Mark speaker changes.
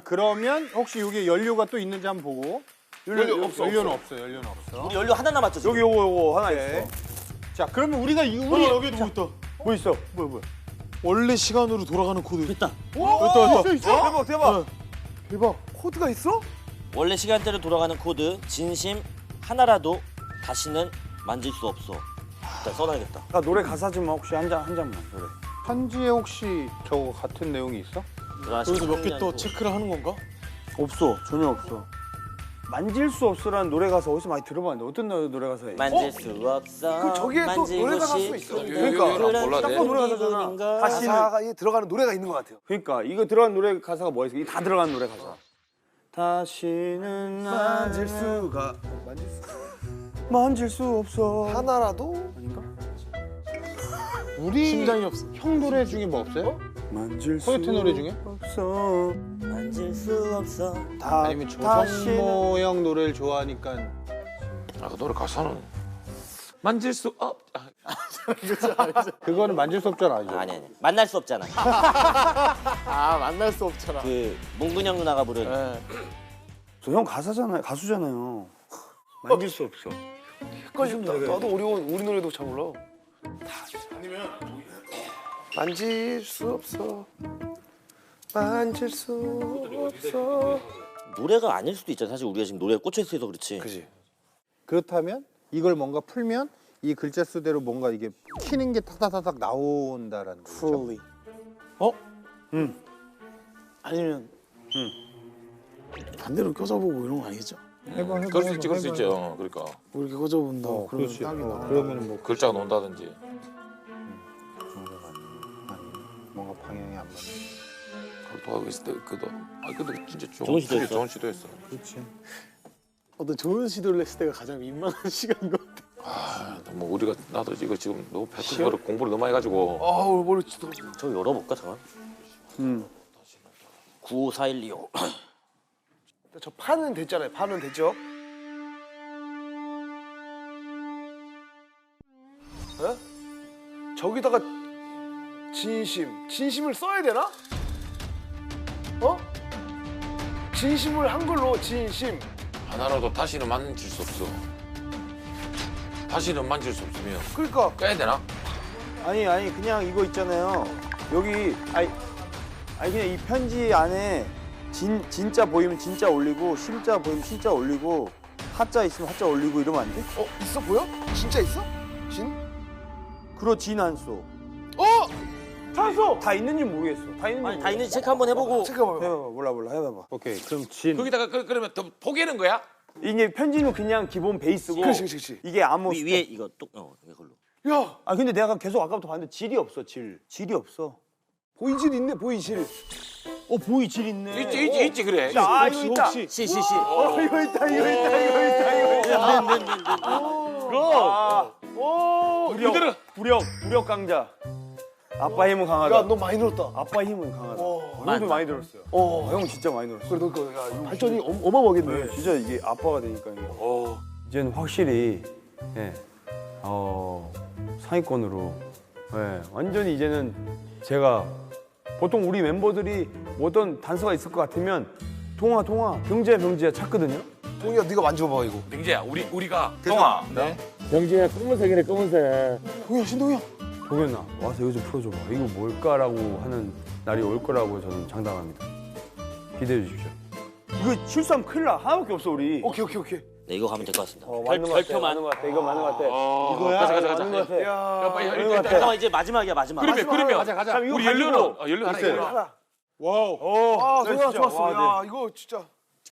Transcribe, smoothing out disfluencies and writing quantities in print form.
Speaker 1: 그러면 혹시 여기 연료가 또 있는지 한번 보고.
Speaker 2: 연료 없어.
Speaker 1: 연료는 없어. 연료는 없어.
Speaker 3: 우리 연료 하나 남았죠 지금?
Speaker 4: 여기 요거 하나
Speaker 1: 오케이.
Speaker 4: 있어.
Speaker 1: 자, 그러면 우리가 우리
Speaker 2: 여기 누구 있다.
Speaker 4: 뭐 있어? 뭐야?
Speaker 2: 원래 시간으로 돌아가는 코드.
Speaker 3: 됐다.
Speaker 4: 대박 대박.
Speaker 2: 대박.
Speaker 4: 코드가 있어?
Speaker 3: 원래 시간대로 돌아가는 코드 진심 하나라도 다시는 만질 수 없어. 일단 써놔야겠다.
Speaker 4: 나 노래 가사 좀 혹시 한 잔만 노래.
Speaker 1: 편지에 혹시 저거 같은 내용이 있어?
Speaker 2: 여기서 몇 개 또 체크를 하는 건가?
Speaker 4: 없어 전혀 없어. 만질 수 없어라는 노래 가사 어디서 많이 들어봤는데 어떤 노래 가사예요?
Speaker 3: 만질 수 없어.
Speaker 5: 그 저기에 또
Speaker 3: 만지고
Speaker 5: 노래 가사가 또 있어.
Speaker 3: 싶은데
Speaker 4: 그러니까.
Speaker 3: 그런
Speaker 4: 딱 봐도 노래 가사잖아.
Speaker 3: 기분인가?
Speaker 4: 다시는.
Speaker 5: 가사에 들어가는 노래가 있는 것 같아요.
Speaker 4: 그러니까 이거 들어간 노래 가사가 뭐야? 이게 다 들어간 노래 가사. 다시는
Speaker 5: 만질
Speaker 4: 나를
Speaker 5: 수가
Speaker 4: 만질 수 없어.
Speaker 5: 하나라도
Speaker 4: 아닌가?
Speaker 1: 우리
Speaker 2: 심장이 없어.
Speaker 1: 형 노래 중에 뭐 없어요?
Speaker 4: 만질 수
Speaker 1: 코요태 노래 중에?
Speaker 4: 없어.
Speaker 3: 만질 수 없어.
Speaker 1: 아니면 조성모 형 노래를 좋아하니까
Speaker 6: 아, 그 노래 가사는 만질 수 없.
Speaker 1: 그거는 만질 수 없잖아. 아니죠?
Speaker 3: 아니 만날 수 없잖아.
Speaker 2: 아 만날 수 없잖아.
Speaker 3: 그 몽근형 누나가 부른
Speaker 2: 네.
Speaker 4: 저 형 가사잖아요. 가수잖아요. 만질 수 없어.
Speaker 5: 헷갈린다. 나도 어려운 우리 노래도 잘 몰라. 만질 수 없어. 만질 수 없어.
Speaker 3: 노래가 아닐 수도 있잖아. 사실 우리가 지금 노래에 꽂혀 있어서 그렇지.
Speaker 5: 그지.
Speaker 1: 그렇다면 이걸 뭔가 풀면 이 글자 수대로 뭔가 이게 키는 게 탁탁탁탁 나온다라는 거죠.
Speaker 2: Fully. 어? 응. 아니면 반대로 껴져보고 이런 거 아니겠죠?
Speaker 1: 해봐.
Speaker 6: 그럴 수 있지, 그럴 수 있지. 그러니까
Speaker 2: 뭐 이렇게 껴져본다. 그러면
Speaker 1: 그렇지.
Speaker 2: 딱이 나와.
Speaker 1: 그러면 뭐
Speaker 6: 글자가 논다든지.
Speaker 1: 뭔가 방향이 안 맞네.
Speaker 6: 그렇게 하고 있을 때 그도. 아, 근데 진짜
Speaker 3: 좋은 시도였어.
Speaker 6: 좋은 시도였어.
Speaker 1: 그렇지.
Speaker 2: 어떤 좋은 시도를 했을 때가 가장 민망한 시간인 것 같아.
Speaker 6: 아, 뭐 우리가 나도 이거 지금 너무 배틀 공부를 너무 해가지고.
Speaker 5: 아우 머리 진짜.
Speaker 3: 저 열어볼까 잠깐. 95412호.
Speaker 5: 저 판은 됐잖아요. 판은 됐죠. 어? 저기다가 진심을 써야 되나? 어? 진심을 한글로 진심.
Speaker 6: 하나라도 다시는 만질 수 없어. 다시는 만질 수 없으면
Speaker 5: 그러니까
Speaker 6: 깨야 되나?
Speaker 4: 아니 그냥 이거 있잖아요. 여기 아니 그냥 이 편지 안에 진짜 보이면 진짜 올리고 심자 보이면 심자 올리고 하자 있으면 하자 올리고 이러면 안 돼?
Speaker 5: 있어 보여? 진짜 있어? 진?
Speaker 4: 그러 진안 써.
Speaker 5: 찾았어.
Speaker 4: 다 있는지 모르겠어. 다 있는지
Speaker 3: 아니 다 있는지 체크 한번 해보고.
Speaker 5: 잠깐만.
Speaker 4: 해봐봐. 몰라 해봐봐.
Speaker 1: 오케이. 그럼 진.
Speaker 6: 거기다가 그러면 더 포기하는 거야?
Speaker 4: 이게 편지는 그냥 기본 베이스고
Speaker 5: 그렇지.
Speaker 4: 이게 아무
Speaker 3: 위에 이거 뚝 이걸로.
Speaker 5: 야
Speaker 4: 아 근데 내가 계속 아까부터 봤는데 질이 없어. 질이 없어.
Speaker 5: 보이질 있네 보이질.
Speaker 4: 보이 질 있네.
Speaker 6: 있지 그래.
Speaker 4: 아 이거 있다.
Speaker 3: 시시시.
Speaker 4: 이거 있다. 그럼 부력 강자. 아빠 힘은 강하다.
Speaker 5: 야 너 많이 늘었다.
Speaker 4: 아빠 힘은 강하다.
Speaker 3: 많이
Speaker 4: 형도 많이 들었어요. 형 진짜 많이 들었어.
Speaker 5: 그래 너 이거 발전이 어마어마하겠네.
Speaker 4: 진짜 이게 아빠가 되니까 이게. 이제는 확실히 상위권으로 완전히 이제는 제가 보통 우리 멤버들이 뭐 어떤 단서가 있을 것 같으면 동아 병지야 찾거든요.
Speaker 5: 동이야 네가 만져봐 이거.
Speaker 6: 명재야, 우리가 동아.
Speaker 4: 병지야 동이야 신동이야. 동현아 와서 이거 좀 풀어줘봐. 이거 뭘까라고 하는 날이 올 거라고 저는 장담합니다. 기대해 주십시오. 이거 실수하면 큰일 나. 하나밖에 없어 우리.
Speaker 5: 오케이.
Speaker 3: 네, 이거 가면 될 것 같습니다.
Speaker 4: 맞는 것 같아.
Speaker 3: 별표만.
Speaker 4: 맞는 것 같아. 이거 맞는 것 같아.
Speaker 1: 이거야?
Speaker 6: 가자.
Speaker 4: 맞는 것 같아.
Speaker 5: 야.
Speaker 6: 빨리
Speaker 4: 맞는 것
Speaker 6: 일단
Speaker 4: 같아.
Speaker 3: 잠깐만 이제 마지막이야 마지막.
Speaker 6: 그러면
Speaker 1: 가자.
Speaker 4: 그럼 이거
Speaker 6: 우리
Speaker 4: 가지고.
Speaker 6: 연료는 연료 하나
Speaker 1: 있어요.
Speaker 6: 있구나.
Speaker 5: 하나.
Speaker 1: 와우.
Speaker 5: 아
Speaker 4: 네,
Speaker 5: 동이야
Speaker 4: 진짜.
Speaker 5: 좋았어.
Speaker 4: 와,
Speaker 5: 야 이거 진짜.